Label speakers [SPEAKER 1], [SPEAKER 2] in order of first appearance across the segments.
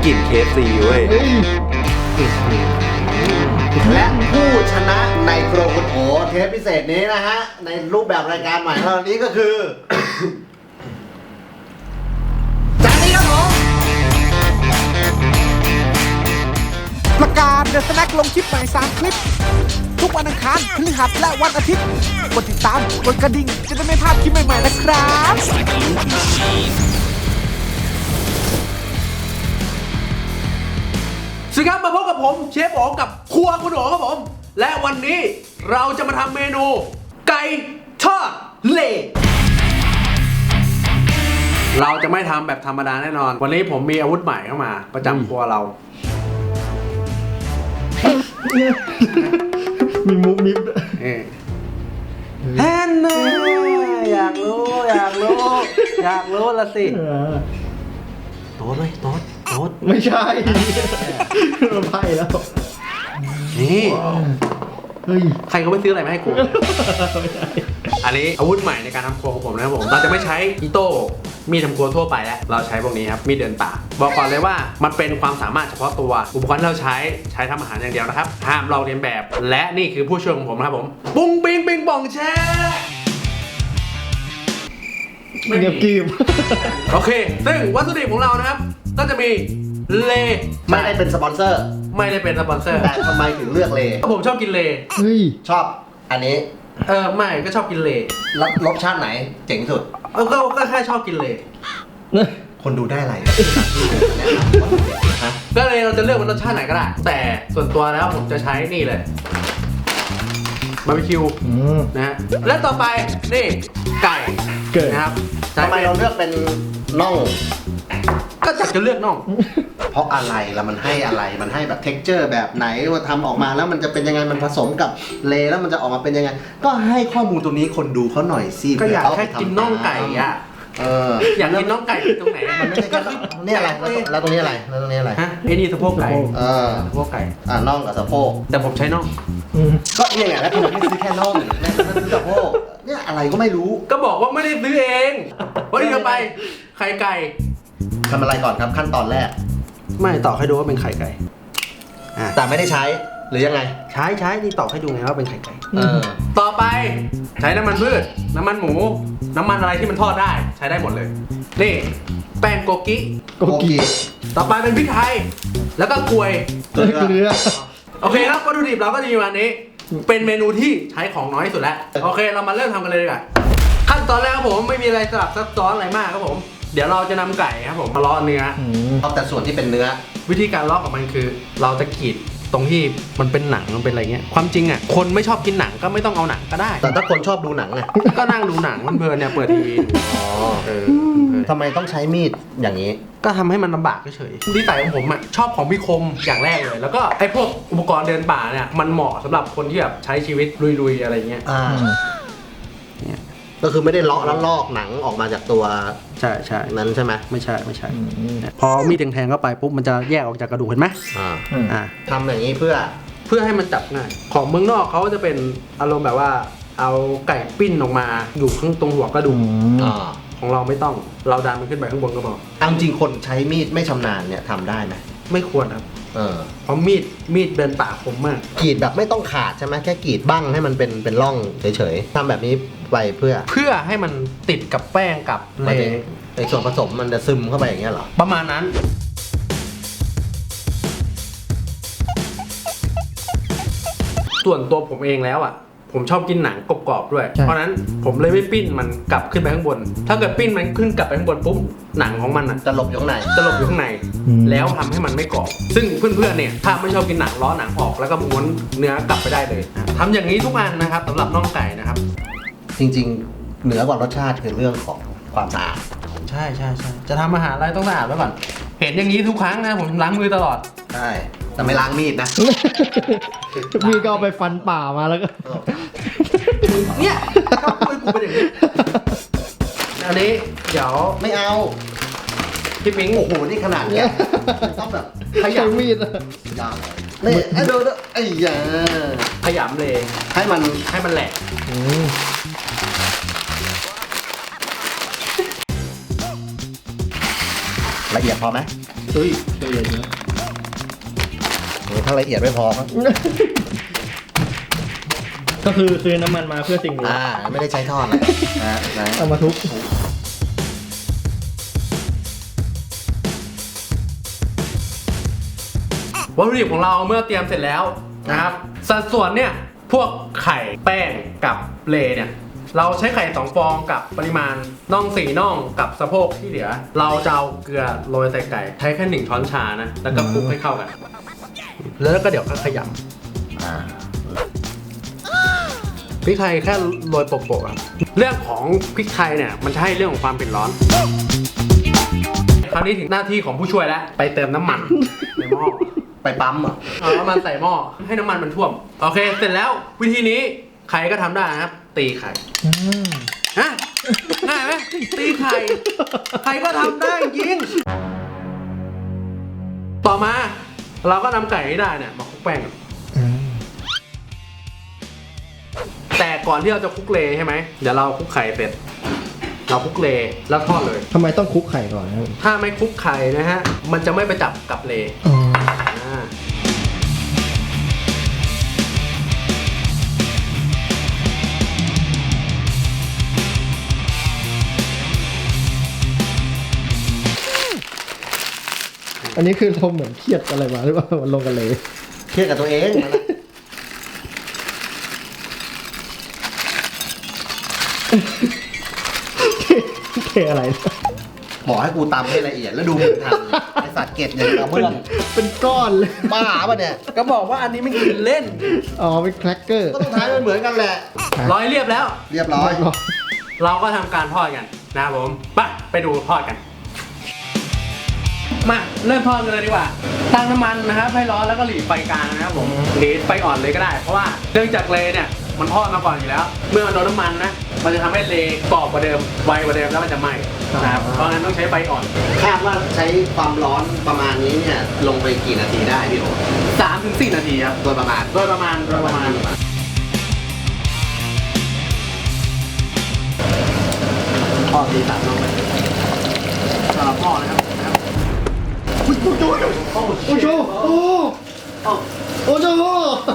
[SPEAKER 1] กลิ่น KFC เว้ย
[SPEAKER 2] และผู้ชนะในโครคุณโอเทปพิเศษนี้นะฮะในรูปแบบรายการใหม่ของเรานี้ก็คือ จานนี้ครับผม
[SPEAKER 3] ประกาศเดอะสแน็คลงคลิปใหม่3คลิป ทุกวันอังคารพฤหัสและวันอาทิตย์กดติดตามกดกระดิ่งจะได้ไม่พลาดคลิปใหม่ๆนะครับ
[SPEAKER 1] สวัสดีครับมาพบกับผมเชฟโอ๋กับครัวคุณโอ๋ครับผมและวันนี้เราจะมาทำเมนูไก่ทอดเละเราจะไม่ทำแบบธรรมดาแน่นอนวันนี้ผมมีอาวุธใหม่เข้ามาประจำครัวเรา
[SPEAKER 4] มีมุกมิบ
[SPEAKER 1] แฮนน่อยากรู้ละสิโต๊ดไหมโต๊ด
[SPEAKER 4] ไม่ใช่เราไพ่แล้ว
[SPEAKER 1] นี่
[SPEAKER 4] เฮ้ย
[SPEAKER 1] ใครก็ไม่ซื้ออะไรมาให้กู อันนี้อาวุธใหม่ในการทำครัวของผมนะครับผมเราจะไม่ใช้อิโต้มีดทำครัวทั่วไปแล้วเราใช้พวกนี้ครับมีดเดินป่าบอกก่อนเลยว่ามันเป็นความสามารถเฉพาะตัวอุปกรณ์ที่เราใช้ทำอาหารอย่างเดียวนะครับห้ามลอกเลียนแบบและนี่คือผู้ช่วยของผมนะครับผมปุ้งปิงปิงป่องแช่
[SPEAKER 4] เงียบกริบ
[SPEAKER 1] โอเคซึ่งวัตถุดิบของเรานะครับก็จะมีเล
[SPEAKER 2] ไม่ได้เป็นสปอนเซอร์
[SPEAKER 1] ไม่ได้เป็นสปอนเซอร์
[SPEAKER 2] แต่ทำไมถึงเลือกเล
[SPEAKER 1] ผมชอบกินเล
[SPEAKER 4] เฮ้ย
[SPEAKER 2] ชอบอันนี้
[SPEAKER 1] ไม่ก็ชอบกินเล
[SPEAKER 2] รสชาติไหนเจ๋งสุด
[SPEAKER 1] ก็แค่ชอบกินเล
[SPEAKER 2] คนดูได้อะไร ฮะ
[SPEAKER 1] ก็เลยเราจะเลือกมันรสชาติไหนก็ได้ แต่ส่วนตัวแล้วผมจะใช้นี่เลยบาร์บีคิวนะฮะและต่อไปนี่ไก่นะครับ
[SPEAKER 2] ทำไมเราเลือกเป็นน่อง
[SPEAKER 1] ก็จัดจะเลือกน่อง
[SPEAKER 2] เพราะอะไรแล้วมันให้อะไรมันให้แบบเท็กเจอร์แบบไหนว่าทำออกมาแล้วมันจะเป็นยังไงมันผสมกับเลแล้วมันจะออกมาเป็นยังไง ก็ให้ข้อมูลตรงนี้คนดูเขาหน่อยสิ
[SPEAKER 1] ก็อยาก
[SPEAKER 2] เผื่
[SPEAKER 1] แค่กินน่องไก่อะ อยากกินน่องไก่ตรงไหน
[SPEAKER 2] มันไม่ใช่แค่นี่อะไรแล้วตรงนี้อะไรแล้วตรงนี้อะไร
[SPEAKER 1] ฮะไอ้นี่สะโพกไก่ สะโพกไก่
[SPEAKER 2] น่องกับสะโพก
[SPEAKER 1] แต่ผมใช้น่อง
[SPEAKER 2] ก็เนี่ยไงแล้วทำไมไม่ซื้อแค่น่องแม่ไม่ซื้อสะโพกเนี่ยอะไรก็ไม่รู้
[SPEAKER 1] ก็บอกว่าไม่ได้ซื้อเองวันนี้เราไปไข่ไก่
[SPEAKER 2] ทำอะไรก่อนครับขั้นตอนแรก
[SPEAKER 1] ไม่ตอกให้ดูว่าเป็นไข่ไก่
[SPEAKER 2] แต่ไม่ได้ใช้หรือยังไง
[SPEAKER 1] ใช้นี่ตอกให้ดูไงว่าเป็นไข่ไก่
[SPEAKER 2] เออ
[SPEAKER 1] ต่อไปใช้น้ำมันพืชน้ำมันหมู น้ำมันอะไรที่มันทอดได้ใช้ได้หมดเลย นี่แป้งโกกิ
[SPEAKER 4] โกกิ
[SPEAKER 1] ต่อไปเป็นพริกไทย แล้วก็กล้วย
[SPEAKER 4] เกลือ
[SPEAKER 1] โอเคครับวัตถุดิบเราก็จะมีวันนี้ เป็นเมนูที่ใช้ของน้อยที่สุดแล้ว โอเคเรามาเริ่มทำกันเลยดีกว่าขั้นตอนแรกครับผมไม่มีอะไรสลับซับซ้อนอะไรมากครับผม เดี๋ยวเราจะนำไก่ครับผมมาเลาะเนื้อ
[SPEAKER 2] เอาแต่ส่วนที่เป็นเนื้อ
[SPEAKER 1] วิธีการเลาะของมันคือ เราจะกรีดตรงที่มันเป็นหนังมันเป็นอะไรเงี้ยความจริงอ่ะคนไม่ชอบกินหนังก็ไม่ต้องเอาหนังก็ได้
[SPEAKER 2] แต่ถ้าคนชอบดูหนังไง
[SPEAKER 1] ก็นั่งดูหนังเพลินๆเนี่ยเปิดทีวีดู
[SPEAKER 2] อ๋อทำไมต้องใช้มีดอย่างนี้
[SPEAKER 1] ก็ทำให้มันลำบากเฉยๆนิสัยของผมอ่ะชอบของมีคมอย่างแรกเลย แล้วก็ไอ้พวกอุปกรณ์เดินป่าเนี่ยมันเหมาะสำหรับคนที่แบบใช้ชีวิตลุยๆอะไรเงี้ย เนี่ย
[SPEAKER 2] ก็คือไม่ได้เลาะแล้วลอกหนังออกมาจากตัว
[SPEAKER 1] ใช่ใช่
[SPEAKER 2] นั้นใช่ไหม
[SPEAKER 1] ไม่ใช่พอมีดแทงๆเข้าไปปุ๊บมันจะแยกออกจากกระดูกเห็นไหม อ่า
[SPEAKER 2] ทำอย่างนี้เพื่อ
[SPEAKER 1] เพื่อให้มันจับง่ายของเมืองนอกเขาจะเป็นอารมณ์แบบว่าเอาไก่ปิ้นออกมาอยู่ข้างตรงหัวกระดูกของเราไม่ต้องเราดันมันขึ้นไปข้างบนก็พอ
[SPEAKER 2] เอาจริงคนใช้มีดไม่ชำนาญเนี่ยทำได้ไหม
[SPEAKER 1] ไม่ควรครับเพราะมีดเดินป่าคมมาก
[SPEAKER 2] กรีดแบบไม่ต้องขาดใช่ไหมแค่กรีดบ้างให้มันเป็นร่องเฉยๆทำแบบนี้ไปเพื่อ
[SPEAKER 1] ให้มันติดกับแป้งกับ
[SPEAKER 2] หมายถึงในส่วนผสมมันจะซึมเข้าไปอย่างเงี้ยเหรอ
[SPEAKER 1] ประมาณนั้นส่วนตัวผมเองแล้วอ่ะผมชอบกินหนังกรอบๆด้วย เพราะนั้นผมเลยไม่ปิ้นมันกลับขึ้นไปข้างบน ถ้าเกิดปิ้นมันขึ้นกลับไปข้างบนปุ๊บหนังของมันอ่ะ
[SPEAKER 2] จะหลบอยู่ข้างใน
[SPEAKER 1] จะหลบอยู่ข้างในแล้วทำให้มันไม่กรอบซึ่งเพื่อนๆเนี่ยถ้าไม่ชอบกินหนังล้อหนังออกแล้วก็ม้วนเนื้อกลับไปได้เลยทำอย่างนี้ทุกอันนะครับสำหรับน่องไก่นะครับ
[SPEAKER 2] จริงๆเหนือกว่ารสชาติคือเรื่องของความสะอาด
[SPEAKER 1] ใช่จะทำอาหารอะไรต้องสะอาดไว้ก่อนเห็นอย่างนี้ทุกครั้งนะผมล้างมือตลอด
[SPEAKER 2] ใช่แต่ไม่ล้างมีดนะ
[SPEAKER 4] มีก็เอาไปฟันป่ามาแล้วก็
[SPEAKER 1] เนี่ยชอบพูดกูเป็นอย่างนี้อันนี้เดี๋ยว
[SPEAKER 2] ไม่เอา
[SPEAKER 1] พี่ปิ๊ง
[SPEAKER 2] โอ้โหนี่ขนาดเนี้ยต้องแบบ
[SPEAKER 4] ใช้มีด
[SPEAKER 2] ยาวเลยนี่ไอ้ดูไอ้ยา
[SPEAKER 1] ขยำเลย
[SPEAKER 2] ให้มัน
[SPEAKER 1] ให้มันแหลก
[SPEAKER 2] ละเอียดพอไหม
[SPEAKER 1] เฮ้ย
[SPEAKER 4] เอียดนะ
[SPEAKER 2] โอ้ถ้าละเอียดไม่พอมั้ง
[SPEAKER 4] ก็คือซื้อน้ำมันมาเพื่อสิ่งนี้
[SPEAKER 2] ไม่ได้ใช้ทอดนะนะ
[SPEAKER 4] เอามาทุบ
[SPEAKER 1] วัตถุดิบของเราเมื่อเตรียมเสร็จแล้วนะครับสัดส่วนเนี่ยพวกไข่แป้งกับเลเนี่ยเราใช้ไข่2 ฟองกับปริมาณน่อง4 น่องกับสะโพกที่เหลือ เราจะเอาเกลือโรยใส่ไก่ใช้แค่1 ช้อนชานะแล้วก็คลุกให้เข้ากัน แล้วก็เดี๋ยวก็ขยำพริกไทยแค่โรยโปะๆครับเรื่องของพริกไทยเนี่ยมันจะให้เรื่องของความเผ็ดร้อนคราวนี้ถึงหน้าที่ของผู้ช่วยแล้วไปเติมน้ำมันในหม้อ
[SPEAKER 2] ไปปั๊มเหรอ
[SPEAKER 1] เอาน้ำมันใส่หม้อให้น้ำมันมันท่วมโอเคเสร็จแล้ววิธีนี้ใครก็ทำได้นะครับตีไข่ฮะง่ายไหมตีไข่ใครก็ทำได้จริงต่อมาเราก็นำไก่ที่ได้เนี่ยมาคลุกแป้งก่อนแต่ก่อนที่เราจะคลุกเลใช่ไหมเดี๋ยวเราคลุกไข่เสร็จเราคลุกเลแล้วทอดเลย
[SPEAKER 4] ทำไมต้องคลุกไข่ก่อนนะครับ
[SPEAKER 1] ถ้าไม่คลุกไข่นะฮะมันจะไม่ไปจับกับเล
[SPEAKER 4] อ๋อ อันนี้คือเราเหมือนเครียดอะไรมาหรือเปล่ามันลงกันเลย
[SPEAKER 2] เครียดกับตัวเองนั่นแหละ
[SPEAKER 4] เทอะไร
[SPEAKER 2] บอกให้กูตำให้ละเอียดแล้วดูมึงทำไอสัตว์เก็ดอย่างกับเพื่อน
[SPEAKER 4] เป็นก้อนเลย
[SPEAKER 2] บ้าป่ะเนี่ย
[SPEAKER 1] ก็บอกว่าอันนี้ไม่กินเล่น
[SPEAKER 4] อ๋อ เป็นแครกเกอร์
[SPEAKER 2] ก็ต้องท้ายมันเหมือนกันแหละ
[SPEAKER 1] ร้อยเรียบแล้ว
[SPEAKER 2] เรียบร้อย
[SPEAKER 1] เราก็ทำการทอดกันนะครับผมไปดูทอดกัน มาเริ่มทอดกันเลยดีกว่าตั้งน้ำมันนะครับให้ร้อนแล้วก็หลีไฟกลางนะครับผมหลีไฟอ่อนเลยก็ได้เพราะว่าเนื่องจากเลเนี่ยมันทอดมาก่อนอยู่แล้ว เมื่อมันโดนน้ำมันนะมันจะทำให้เลกรอบกว่าเดิมไวกว่าเดิมแล้วมันจะไหม้นะครับเพราะฉะนั้นต้องใช้ไฟอ่อน
[SPEAKER 2] คาดว่าใช้ความร้อนประมาณนี้เนี่ยลงไปกี่นาทีได้พี่โอ๋
[SPEAKER 1] 3-4 นาทีครับ
[SPEAKER 2] โดยประมาณ
[SPEAKER 1] โดยประมาณทอดที3 รอบสำหรับพ่อนะครับ
[SPEAKER 4] โอ้โหโอ้โหโอ้โห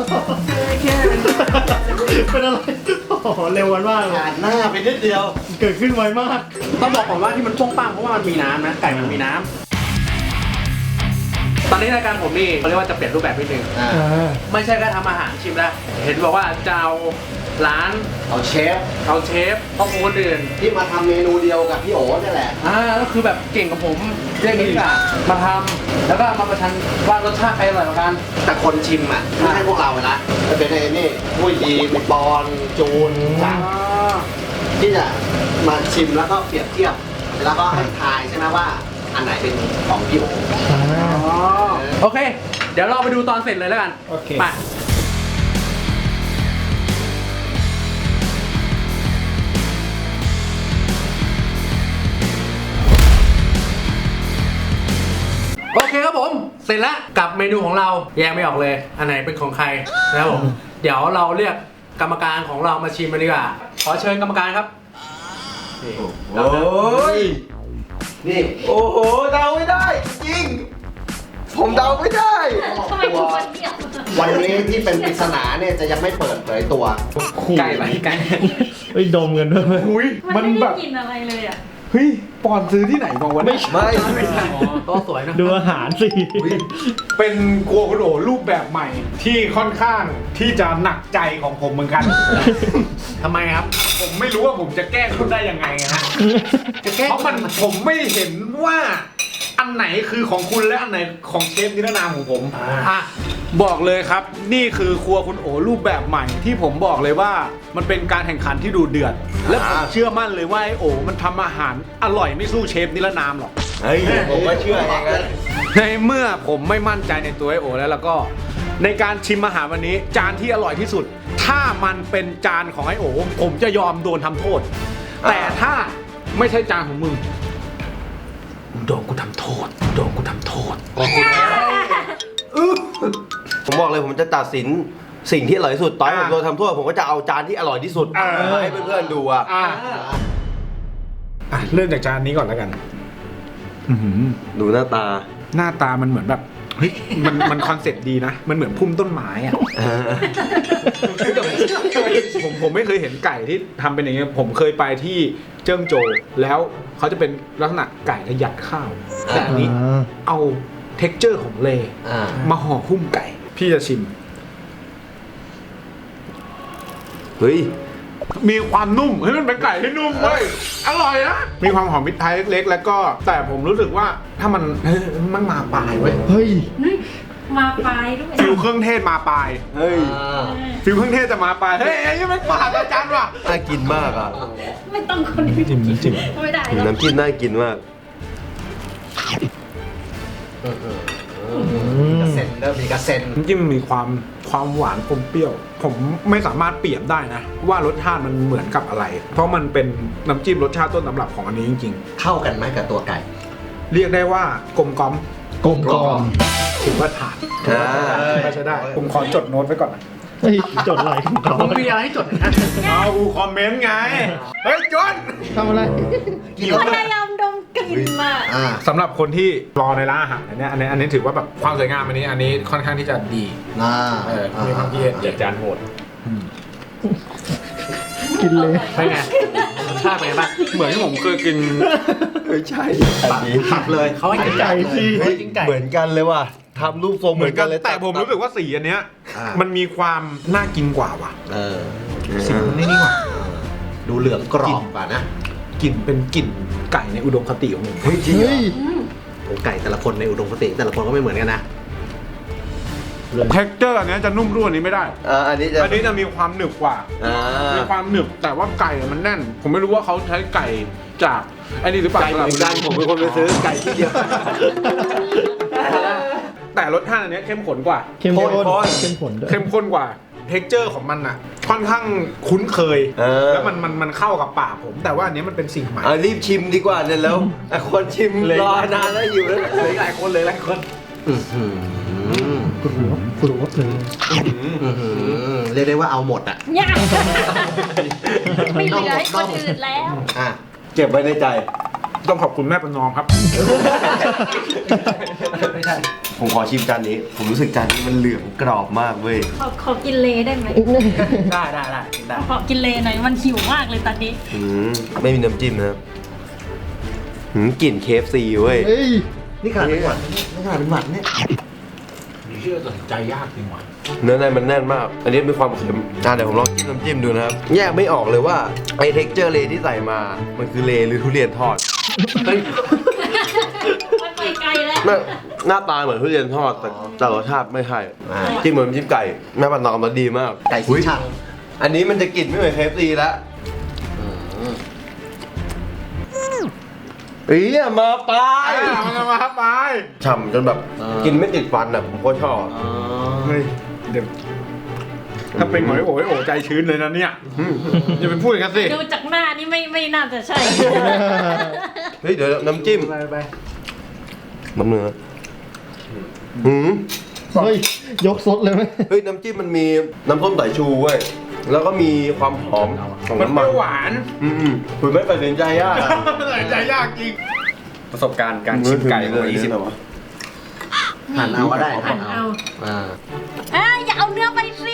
[SPEAKER 4] เป็นอะไร โอ้โห เร็ววันมากเลย
[SPEAKER 2] ผ่านหน้าไปนิดเดียว
[SPEAKER 4] เกิดขึ้นไวมาก
[SPEAKER 1] ต้องบอกก่อนว่าที่มันป้งปังเพราะว่ามันมีน้ำนะไก่มันมีน้ำตอนนี้รายการผมนี่เขาเรียกว่าจะเปลี่ยนรูปแบบนิดนึงไม่ใช่แค่ทำอาหารชิมแล้วเห็นบอกว่าจะเอาร้าน
[SPEAKER 2] เอาเชฟ
[SPEAKER 1] เอาเชฟพ่อครัวคนอื่น
[SPEAKER 2] ที่มาทำเมนูเดียวกับพี่โอ๋นี่แหละ
[SPEAKER 1] ก็คือแบบเก่งกับผมเรื่องนี้ดีกว่ามาทำแล้วก็มาประชันว่ารสชาติใครอร่อยกว่ากัน
[SPEAKER 2] แต่คนชิมอ่ะไม่ใช่พวกเรานะจะเป็นไอ้นี่ผู้ยีมีปอนจูนจักรที่จะมาชิมแล้วก็เปรียบเทียบ แล้วก็ให้ทายใช่ไหมว่าอันไหนเป็นของพี่โอ๋
[SPEAKER 1] โอเค เดี๋ยวเราไปดูตอนเสร็จเลยแล้วกัน
[SPEAKER 4] โอเค
[SPEAKER 1] ไปโอเคครับผม เสร็จแล้วกับเมนูของเราแยกไม่ออกเลย อันไหนเป็นของใครนะครับผม เดี๋ยวเราเรียกกรรมการของเรามาชิมกันดีกว่า ขอเชิญกรรมการครับนี่
[SPEAKER 2] โอ้ยนี่โอ้โหเดาไม่ได้จริงผมเดาไม่ได้
[SPEAKER 5] ทำไมถึงวันเดียว
[SPEAKER 2] วันนี้ที่เป็นปริศนาเนี่ยจะยังไม่เปิดเผยตัว
[SPEAKER 1] ไก่ไหมไก่
[SPEAKER 4] เฮ้ย ดมกันด้วย
[SPEAKER 6] อุ้ย
[SPEAKER 5] มัน
[SPEAKER 6] มัน
[SPEAKER 5] ไม่
[SPEAKER 6] แบ
[SPEAKER 5] ได้
[SPEAKER 6] บ
[SPEAKER 5] กินอะไรเลยอ่ะ
[SPEAKER 6] เฮ้ยปอนซื้อที่ไหนมาวะเนี่ย
[SPEAKER 2] ไม่ใช่
[SPEAKER 1] ตัวสวยนะ
[SPEAKER 4] ดูอาหารสิ
[SPEAKER 6] เป็นครัวคุณโอรูปแบบใหม่ที่ค่อนข้างที่จะหนักใจของผมเหมือนกัน
[SPEAKER 1] ทำไมครับ
[SPEAKER 6] ผมไม่รู้ว่าผมจะแก้คุณได้ยังไงฮะ
[SPEAKER 1] จะแก้
[SPEAKER 6] เพราะมันผมไม่เห็นว่าอันไหนคือของคุณและอันไหนของเชฟนิรนามของผม
[SPEAKER 1] อ่ะ
[SPEAKER 6] บอกเลยครับนี่คือครัวคุณโอรูปแบบใหม่ที่ผมบอกเลยว่ามันเป็นการแข่งขันที่ดูเดือด และผมเชื่อมั่นเลยว่าไอโอมันทำอาหารอร่อยไม่สู้เชฟนิรนามหรอก
[SPEAKER 2] เฮ้ยผมก็เชื่ออย่างนั้น
[SPEAKER 6] ในเมื่อผมไม่มั่นใจในตัวไอโอแล้วก็ในการชิมอาหารวันนี้จานที่อร่อยที่สุด ถ้ามันเป็นจานของไอโอผมจะยอมโดนทำโทษ แต่ถ้าไม่ใช่จานของมึงโดนกูทำโทษโดนกูทำโทษ
[SPEAKER 7] ผมบอกเลยผมจะตัดสินสิ่งที่อร่อยที่สุดตอนที่ผมโดนทำโทษผมก็จะเอาจานที่อร่อยที่สุดมาให้เพื่อนๆดูอ่ะ
[SPEAKER 6] เริ่มจากจานนี้ก่อนแล้วกัน
[SPEAKER 7] ดูหน้าตา
[SPEAKER 6] หน้าตามันเหมือนแบบเฮ้ยมันคอนเซ็ปต์ดีนะ มันเหมือนพุ่มต้นไม้อะผมไม่เคยเห็นไก่ที่ทำเป็นอย่างเงี้ยผมเคยไปที่เจิ้งโจวแล้วเขาจะเป็นลักษณะไก่และยัดข้าว แต่อันนี้เอาเท็กเจอร์ของเลมาห่อหุ้มไก่ พี่จะชิม
[SPEAKER 7] เฮ้ย
[SPEAKER 6] มีความนุ่มเฮ้ยมันเป็นไก่ที่นุ่มเว้ยอร่อยนะมีความหอมพริกไทยเล็กๆแล้วก็แต่ผมรู้สึกว่าถ้ามันมันมาปลายเว้ย
[SPEAKER 4] เฮ้ย
[SPEAKER 5] มาปลายด้วย
[SPEAKER 6] ฟิลเครื่องเทศมาปลาย
[SPEAKER 7] เฮ้ย
[SPEAKER 6] ฟิลเครื่องเทศจะมาปลายเฮ้ยไอ้นี่มันปลาอาจารย์ว่ะ
[SPEAKER 7] น่ากินมากอ่ะ
[SPEAKER 5] ไม่ต้องคนนี้
[SPEAKER 6] จิ้มจิ้ม
[SPEAKER 5] ไม่ได้หรอก
[SPEAKER 7] น้ำจิ้มน่ากินมาก
[SPEAKER 2] กระเซ็นเริ่มมีกระเซ็น
[SPEAKER 6] น้ำจิ้มมีความหวานอมเปรี้ยว ผมไม่สามารถเปรียบได้นะ ว่ารสชาติมันเหมือนกับอะไร เพราะมันเป็นน้ำจิ้มรสชาติต้นตำรับของอันนี้จริง
[SPEAKER 2] เข้ากันไหมกับตัวไก่
[SPEAKER 6] ๆ เรียกได้ว่ากลมกล่อม
[SPEAKER 4] กลมกล่อม
[SPEAKER 6] ถือว่าผ่าน
[SPEAKER 7] อ่า
[SPEAKER 6] ก็ใช้ได้ ผมขอจดโน้ตไว้ก่อนนะ
[SPEAKER 4] เฮ้ยจดอะไรของเขา
[SPEAKER 1] มึงมีอะไรให้จดนะ
[SPEAKER 6] เอากูคอมเมนต์ไง เฮ้ยจน
[SPEAKER 4] ทำอะไร
[SPEAKER 5] พยายามดมกลิ่นมา
[SPEAKER 6] สำหรับคนที่รอในร้านอาหารอันนี้ถือว่าแบบความสวยงามอันนี้ค่อนข้างที่จะดี มีความคิดเห็นเด็ดจานโหด
[SPEAKER 4] กินเลย
[SPEAKER 1] เป็นไงรสชาติเป็นไงบ้าง
[SPEAKER 6] เหมือนที่ผมเคยกิน
[SPEAKER 7] ไม่ใช่อันนี้
[SPEAKER 2] ตักเลยเขาให้กินไก่
[SPEAKER 4] สิ
[SPEAKER 2] ให้กินไก่
[SPEAKER 7] เหมือนกันเลยว่ะทำรูปทรงเหมือนกันเลย
[SPEAKER 6] แต่ผมรู้สึกว่าสีอันเนี้ย
[SPEAKER 2] อ่า
[SPEAKER 6] มันมีความน่ากินกว่าว่ะ สีมันนี่กว่า
[SPEAKER 2] ดูเหลืองกรอบกว่านะ
[SPEAKER 6] กลิ่นเป็นกลิ่นไก่ในอุดมคติของผม
[SPEAKER 7] เฮ้ยจริงเหร
[SPEAKER 4] เฮ้
[SPEAKER 7] อย
[SPEAKER 2] โอ้ไก่แต่ละคนในอุดมคติแต่ละคนก็ไม่เหมือนกันนะ
[SPEAKER 6] เท็กเจอร์อันเนี้ยจะนุ่มร่วนนี้ไม่ได้
[SPEAKER 7] อันนี้จะ
[SPEAKER 6] อันนี้จะมีความหนึบกว่า มีความหนึบแต่ว่าไก่มันแน่น ผมไม่รู้ว่าเขาใช้ไก่จากไอ้นี่หรือเปล่า
[SPEAKER 7] ไก่เหมือนกันผมเป็นคนไปซื้อไก่ที่เดียว
[SPEAKER 6] แต่รสชาติอันเนี้ยเข้มข้นกว่า
[SPEAKER 4] เข้มข้น
[SPEAKER 7] ข้น
[SPEAKER 4] เข้มข้นด้วย
[SPEAKER 6] เข้มข้นกว่า เท็กเจอร์ของมันอ่ะ ค่อนข้างคุ้นเคย แล้วมันเข้ากับปากผม แต่ว่าอันนี้มันเป็นสิ่งใหม่
[SPEAKER 7] รีบชิมดีกว่าเนี่ยแล้วไอ้คนชิมรอนานแล้วอยู่แล้ว
[SPEAKER 6] หลายคนเลยหลายคน
[SPEAKER 4] กลัวเลย
[SPEAKER 2] เรียกได้ว่าเอาหมดอ่ะ
[SPEAKER 5] ยากไม่เหลือให้คนอื่นแล้ว
[SPEAKER 2] อ่ะ
[SPEAKER 7] เก็บไว้ในใจ
[SPEAKER 6] ต้องขอบคุณแม่ประนอมครับ
[SPEAKER 2] ไม่ใช่
[SPEAKER 7] ผมขอชิมจานนี้ ผมรู้สึกจานนี้มันเหลืองกรอบมากเว้ย
[SPEAKER 5] ขอกินเลได้ไหม
[SPEAKER 2] ได้
[SPEAKER 5] ขอกินเลหน่อยมันหิวมากเลยตอนนี้
[SPEAKER 7] ไม่มีน้ำจิ้มนะครับกลิ่น KFC เว้ย
[SPEAKER 4] เฮ้ย
[SPEAKER 2] นี่ขนาดเป็นหวัดนี่ขนาดเป็นหวัดเนี่ย
[SPEAKER 6] เชื่อตัดสินใจยากจริงว่ะ
[SPEAKER 7] เนื้อในมันแน่นมาก อันนี้มีความเค็มเดี๋ยวผมลองจิ้มน้ำจิ้มดูนะครับ แยกไม่ออกเลยว่าไอ้เท็กเจอร์เลที่ใส่มา มันคือเลหรือทุเรียนทอด
[SPEAKER 5] มันไปไกลแล้ว
[SPEAKER 7] หน้าตาเหมือนทุเรียนทอดแต่รสชาติไม่ใช่จิ้มเหมือนจิ้มไก่แม่ปันนอมมันดีมาก
[SPEAKER 2] ไก่สีชัง
[SPEAKER 7] อันนี้มันจะกลิ่นไม่เหมือน KFC แล้วมาปลาย
[SPEAKER 6] มันมาครับไป
[SPEAKER 7] ฉ่ำจนแบบกินไม่ติดฟันอ่ะผมก็ชอบ
[SPEAKER 6] เฮ้ยเดี๋ยวถ้าเป็นหอยโอ้ยโอ้ใจชื้นเลยนะเนี่ยอย่าไปพูดกันสิ
[SPEAKER 5] ดูจากหน้านี่ไม่น่าจะใช่
[SPEAKER 7] เฮ้ยเดี๋ยวน้ำจิ้ม
[SPEAKER 6] ไป
[SPEAKER 7] น้ำเนื้อ
[SPEAKER 4] เฮ้ย ยกซดเลยไหม
[SPEAKER 7] เฮ้ยน้ำจิ้มมันมีน้ำส้มสายชูเว้ยแล้วก็มีความหอมของ
[SPEAKER 6] มัน
[SPEAKER 7] น้ำ
[SPEAKER 6] เป
[SPEAKER 7] มัน
[SPEAKER 6] รี้ยวหวาน
[SPEAKER 7] คุณไม่ตัดสินใจยากอะ
[SPEAKER 6] ตัดสินใจยากจริง ประสบการณ์การชิมไก่ของ20
[SPEAKER 2] หั่นเอาก็ได้
[SPEAKER 5] หั่นเอา
[SPEAKER 2] อ่า
[SPEAKER 5] อย่าเอาเนื้อไปสิ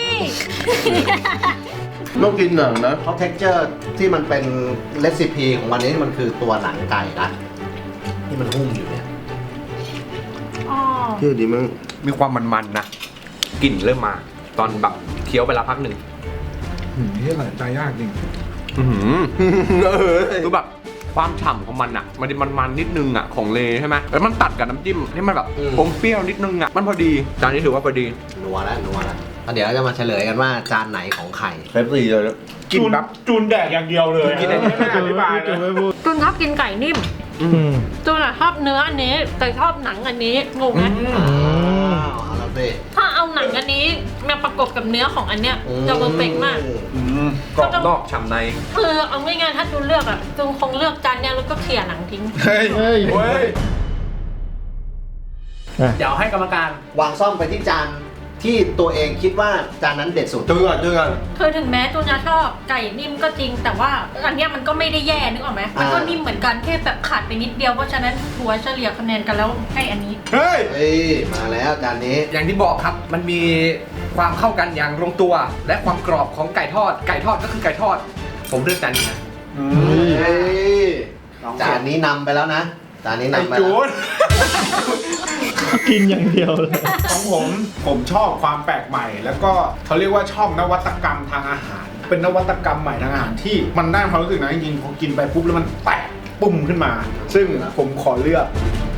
[SPEAKER 7] ต้องกินหนังนะ
[SPEAKER 2] เพราะเท็กเจอร์ที่มันเป็นเรซิปีของวันนี้มันคือตัวหนังไก่นะที่มันหุ้มอยู่เนี่ย
[SPEAKER 5] อ๋อ
[SPEAKER 7] เที่ยวดีมั้ง
[SPEAKER 1] มีความมันๆนะกลิ่นเริ่มมา ตอนแบบเคี้ยวไปแล้วพักหนึ่ง
[SPEAKER 6] นี่ตัดสินใจยากจริง
[SPEAKER 1] คือแบบความฉ่ำของมันอ่ะ มันนิดนึงอ่ะของเลใช่ไหมแล้วมันตัดกับน้ำจิ้มที่มันแบบอมเปรี้ยวนิดนึงอ่ะมันพอดีจานนี้ถือว่าพอดี
[SPEAKER 2] นัวแล้วเดี๋ยวเราจะมาเฉลยกันว่าจานไหนของไข่
[SPEAKER 7] KFC เลยนะ
[SPEAKER 6] กินแบบจูนแดกอย่างเดียวเลยกินได้ไม่อธิบายเลย
[SPEAKER 5] จุนชอบกินไก่นิ่มจุนอะชอบเนื้ออันนี้ แต่ชอบหนังอันนี้งงไหม
[SPEAKER 2] เอาแล้วสิ
[SPEAKER 5] ถ้าเอาหนังอันนี้มาประกบกับเนื้อของอันเนี้ยจะเพอร์เฟกต์มาก
[SPEAKER 1] กรอบนอกฉ่ำใน
[SPEAKER 5] คือเอาง่ายๆถ้าจูนเลือกอะจูนคงเลือกจานเนี้ยแล้วก็เขี่ยหนังทิ้ง
[SPEAKER 6] เฮ้ย
[SPEAKER 4] เฮ้ย
[SPEAKER 6] เฮ้ย
[SPEAKER 1] เดี๋ยวให้กรรมการ
[SPEAKER 2] วางซ่อมไปที่จานที่ตัวเองคิดว่าจานนั้นเด็ดสุด
[SPEAKER 7] จุนก่อน
[SPEAKER 5] คือถึงแม้จูนจะชอบไก่นิ่มก็จริง แต่ว่าอันเนี้ยมันก็ไม่ได้แย่นึกออกไหมมันก็นิ่มเหมือนกันแค่แบบขาดไปนิดเดียวเพราะฉะนั้นถัวเฉลี่ยคะแนนกันแล้วให้อันนี้
[SPEAKER 6] เฮ้ย
[SPEAKER 2] เฮ้ยมาแล้วจานนี้
[SPEAKER 8] อย่างที่บอกครับ มันมีความเข้ากันอย่างลงตัว และความกรอบของไก่ทอด ไก่ทอดก็คือไก่ทอด ผมเลือกจานนี้นะ
[SPEAKER 2] เฮ้ยจานนี้นำไปแล้วนะจานนี้นำไปแล้ว
[SPEAKER 4] กินอย่างเดียวเลย
[SPEAKER 6] ของผมชอบความแปลกใหม่ แล้วก็เขาเรียกว่าชอบนวัตกรรมทางอาหาร เป็นนวัตกรรมใหม่ทางอาหารที่มันได้ความรู้สึกนะจริงๆพอกินไปปุ๊บแล้วมันแตกปุ่มขึ้นมา ซึ่งผมขอเลือก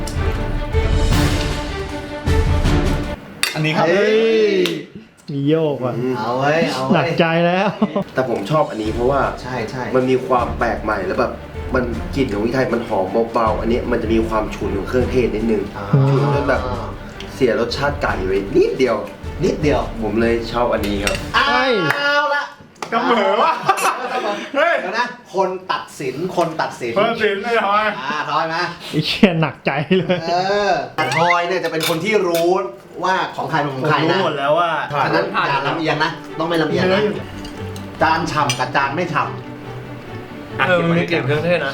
[SPEAKER 6] อันนี้ครับ
[SPEAKER 4] เฮ้ย มีโยกว่ะ
[SPEAKER 2] เอาไว้เอา
[SPEAKER 4] หนั
[SPEAKER 2] ไว้
[SPEAKER 4] กใจแล้ว
[SPEAKER 7] แต่ผมชอบอันนี้เพราะว่า
[SPEAKER 2] ใช่ใช่
[SPEAKER 7] มันมีความแปลกใหม่แล้วแบบมันกลิ่นของพริกไทยมันหอมเบาๆอันนี้มันจะมีความฉุนของเครื่องเทศนิดนึง ฉุนจนแบบเสียรสชาติไก่ไปนิดเดียว
[SPEAKER 2] นิดเดียว
[SPEAKER 7] ผมเลยชอบอันนี้ครับ
[SPEAKER 2] เอาละ
[SPEAKER 6] เสมอวะเฮ้ย
[SPEAKER 2] เดี๋ยวนะคนตัดสินคนตัดสิน
[SPEAKER 6] เพิ่มสินเลยทอย
[SPEAKER 2] ทอยมา
[SPEAKER 4] ไอ้เชี่ยหนักใจเลย
[SPEAKER 2] แต่ทอยเนี่ยจะเป็นคนที่รู้ว่าของใครเป็นของใครนะ
[SPEAKER 4] รู้หมดแล้วว่า
[SPEAKER 2] ฉะนั้นอย่าลำเอียงนะ ต้องไม่ลำเอียงนะ จานฉ่ำกับจานไม่ฉ่
[SPEAKER 8] มันมีกลิ่นเครื่องเทศนะ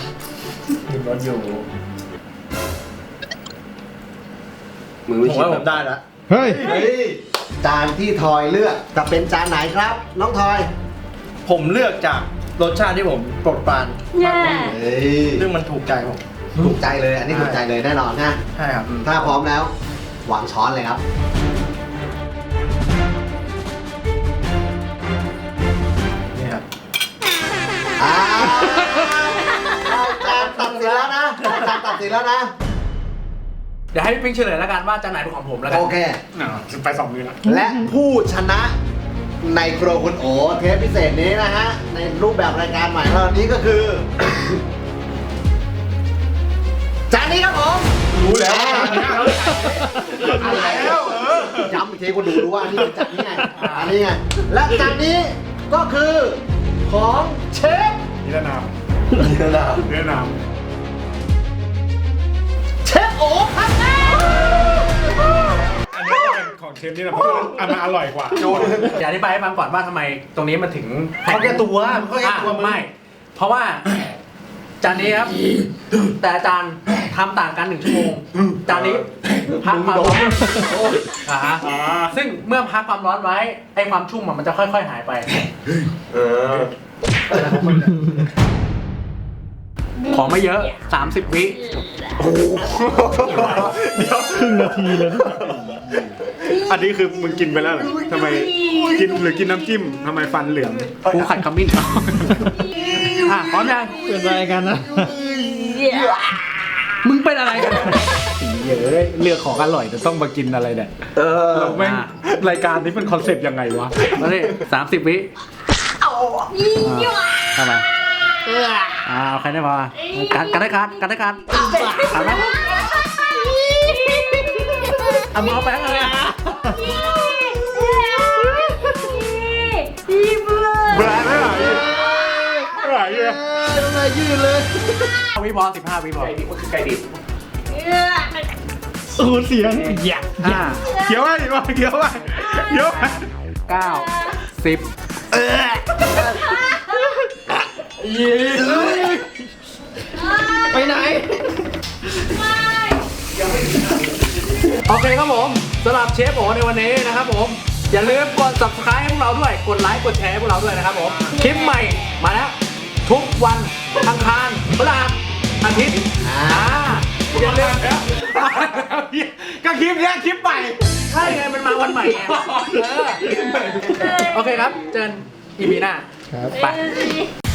[SPEAKER 7] มือไม่
[SPEAKER 8] ผม
[SPEAKER 7] ชิด
[SPEAKER 8] ว่าผ
[SPEAKER 7] แบ
[SPEAKER 8] ม
[SPEAKER 7] บ
[SPEAKER 8] ได้แล้ว
[SPEAKER 4] เฮ้ย
[SPEAKER 2] ำเฮ้ยจานที่ทอยเลือกจะเป็นจานไหนครับ น้องทอย
[SPEAKER 8] ผมเลือกจากรสชาติที่ผมโปรดปราน
[SPEAKER 5] แย่
[SPEAKER 2] เฮ้ย
[SPEAKER 8] ซึ่งมันถูกใจผม
[SPEAKER 2] ถูกใจเลย อันนี้ถูกใจเลยแน่นอนนะ
[SPEAKER 8] ใช่ครับ
[SPEAKER 2] ถ้าพร้อมแล้ววางช้อนเลยครับ
[SPEAKER 8] นี่ครับ
[SPEAKER 2] อ่าจานตัดสินแล้วนะจานตัดสินแล้วนะ
[SPEAKER 1] เดี๋ยวให้พี่ปิ๊งเฉลยแล้วกันว่าจานไหนเป็นของผมแล้วกัน
[SPEAKER 2] โอเค
[SPEAKER 6] ไป2 มือแล้ว
[SPEAKER 2] และผู้ชนะในครัวคุณโอเทปพิเศษนี้นะฮะ ในรูปแบบรายการใหม่ของเรานี้ก็คือ จานนี้ครับผม
[SPEAKER 6] รู้แล้วแล้ว
[SPEAKER 2] ย้ำอีกทีคนดูรู้ว่าอันนี้เป็นจานนี้ไงอันนี้ไง และจานนี้ก็คือของเชฟ
[SPEAKER 6] นิรนาม
[SPEAKER 7] นิรนาม
[SPEAKER 6] นิรนาม
[SPEAKER 2] เชฟโอครับ
[SPEAKER 6] อันนี้ก็เป็นของเชฟนี่แหละเพราะอันมันอร่อยกว่าโจน
[SPEAKER 1] เดี๋ยวอธิบายให้ฟังก่อนว่าทำไมตรงนี้มันถึง
[SPEAKER 2] เขาแก้ตัวมันเขาแก้ตัวมึง
[SPEAKER 1] ไม่ เพราะว่าจานนี้ครับ แต่อาจารย์ทำต่างกัน 1 ชั่วโมง จานนี้พักความร้อนซึ่งเมื่อพักความร้อนไว้ไอ้ความชุ่มมันจะค่อยๆหายไป ของไม่เยอะ 30 วิ
[SPEAKER 6] เดี๋ยว
[SPEAKER 4] ครึ่งนาทีเลยนะ
[SPEAKER 6] อันนี้คือมึงกินไปแล้วเหรอทำไมกินหรือกินน้ำจิ้มทำไมฟันเหลือง
[SPEAKER 1] กูขัดขมิ้นพร้อมยัง
[SPEAKER 4] เป็นอะไรกันนะ
[SPEAKER 1] มึงเป็นอะไรกัน
[SPEAKER 6] เยอะเลือกของอร่อยแต่ต้องมากินอะไรเนี่ยเราแม่งรายการนี้เป็นคอนเซ็ปต์ยังไงวะ
[SPEAKER 1] มาดิ30 วิทำไมเอาใครได้พอกันได้การเอาไหมเอามือเอาแป้งอะไรอ่ะ
[SPEAKER 6] แบรนด์ไม่ไหวไม่ไหวเลย
[SPEAKER 1] วิพอ15 วิพอ
[SPEAKER 6] ไก่ดิบ
[SPEAKER 4] โอ้เสียงอยาก
[SPEAKER 6] เคี้ยวไว้ดิว่าเคี้ยวไว้เคี้ยวไว้
[SPEAKER 1] 9 10
[SPEAKER 4] ไปไหน
[SPEAKER 1] โอเคครับผมสำหรับเชฟโอในวันนี้นะครับผมอย่าลืมกด subscribe ให้พวกเราด้วยกดไลค์กดแชร์ให้พวกเราด้วยนะครับผมคลิปใหม่มาแล้วทุกวันอังคารพฤหัสอาทิตย์อย่าลืม
[SPEAKER 6] ก็คลิปเนี้ยคลิปใหม่
[SPEAKER 1] ใช่ไงมันมาวันใหม่ไงโอเคครับเจอกัน EP หน้า
[SPEAKER 4] ครับ
[SPEAKER 1] ไป